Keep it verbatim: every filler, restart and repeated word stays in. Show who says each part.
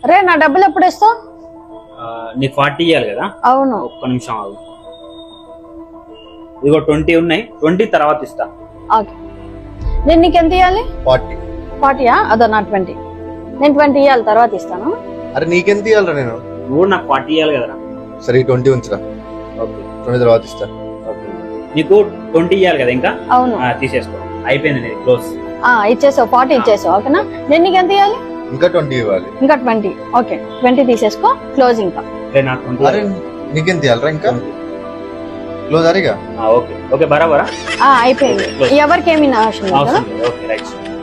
Speaker 1: రే నా డబ్బులు ఎప్పుడు ఇస్తావు?
Speaker 2: నీకు ఫార్టీ ఇవ్వాలి కదా.
Speaker 1: అవును.
Speaker 2: ఒక్క నిమిషం ఆగు. ఇదిగో ట్వంటీ ఉన్నాయి, ట్వంటీ తర్వాత ఇస్తా.
Speaker 1: ఓకే, నేను నీకు ఎంత ఇవ్వాలి?
Speaker 3: ఫార్టీ.
Speaker 1: ఫార్టీయా? అదో నా ట్వంటీ. నేను ట్వంటీ ఇవ్వాలి, తర్వాత ఇస్తాను.
Speaker 3: అరే నీకెంత ఇవ్వాలరా నేను?
Speaker 2: నువ్వు నాకు ఫార్టీ ఇవ్వాలి కదరా.
Speaker 3: సరే ట్వంటీ ఉంచురా.
Speaker 2: ఓకే,
Speaker 3: ట్వంటీ తర్వాత ఇస్తా.
Speaker 2: ఓకే, నీకు ట్వంటీ ఇవ్వాలి కదా ఇంకా.
Speaker 1: అవును.
Speaker 2: తీసేసుకో, అయిపోయింది నీది క్లోజ్.
Speaker 1: ఇచ్చేసావు, ఫార్టీ ఇచ్చేసావు. ఓకేనా, నేను నీకు ఎంత ఇవ్వాలి?
Speaker 3: ఇంకా ట్వంటీ ఇవ్వాలి.
Speaker 1: ఇంకా ట్వంటీ. ఓకే, ట్వంటీ తీసేసుకో, క్లోజ్. ఇంకా
Speaker 3: అరే నీకెంత ఇవ్వాలరా ఇంకా? క్లోజ్ అరేగా.
Speaker 2: ఓకే ఓకే, బరాబరా
Speaker 1: అయిపోయింది. ఎవరికి ఏమి అవసరం లేదు.
Speaker 2: Okay right.